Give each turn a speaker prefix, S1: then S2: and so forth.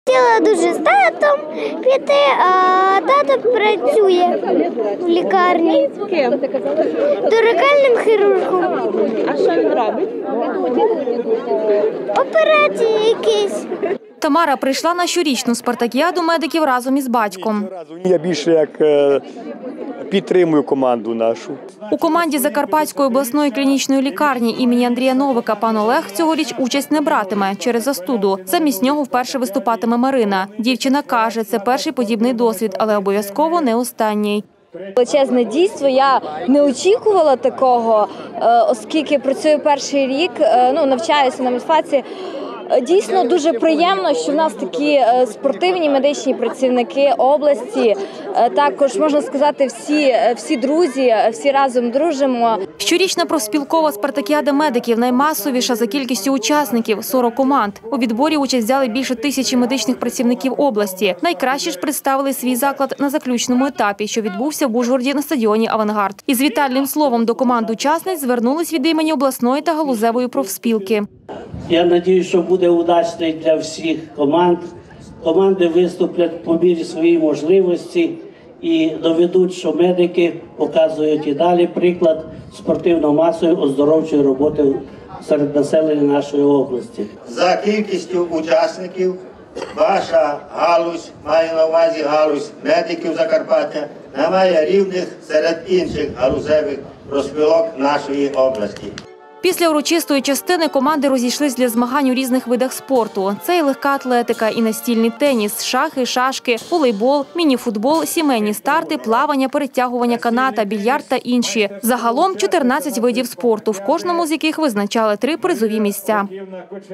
S1: Хотіла дуже з татом піти, а тато працює в лікарні.
S2: Ким?
S1: Торакальним хірургом.
S2: А що він робить?
S1: Операції якісь.
S3: Тамара прийшла на щорічну спартакіаду медиків разом із батьком.
S4: Я більше як підтримую команду нашу.
S3: У команді Закарпатської обласної клінічної лікарні імені Андрія Новика пан Олег цьогоріч участь не братиме через застуду. Замість нього вперше виступатиме Марина. Дівчина каже, це перший подібний досвід, але обов'язково не останній.
S5: Величезне дійство. Я не очікувала такого, оскільки працюю перший рік, навчаюся на медфаці. Дійсно дуже приємно, що в нас такі спортивні медичні працівники області. Також, можна сказати, всі друзі, всі разом дружимо.
S3: Щорічна профспілкова спартакіада медиків наймасовіша за кількістю учасників – 40 команд. У відборі участь взяли більше 1000 медичних працівників області. Найкраще ж представили свій заклад на заключному етапі, що відбувся в Ужгороді на стадіоні «Авангард». Із вітальним словом до команд учасниць звернулись від імені обласної та галузевої профспілки.
S6: Я сподіваюся, що буде удачний для всіх команд. Команди виступлять по мірі своєї можливості і доведуть, що медики показують і далі приклад спортивно-масової оздоровчої роботи серед населення нашої області.
S7: За кількістю учасників ваша галузь, маю на увазі галузь медиків Закарпаття, не має рівних серед інших галузевих профспілок нашої області.
S3: Після урочистої частини команди розійшлись для змагань у різних видах спорту. Це і легка атлетика, і настільний теніс, шахи, шашки, волейбол, мініфутбол, сімейні старти, плавання, перетягування каната, більярд та інші. Загалом 14 видів спорту, в кожному з яких визначали 3 призові місця.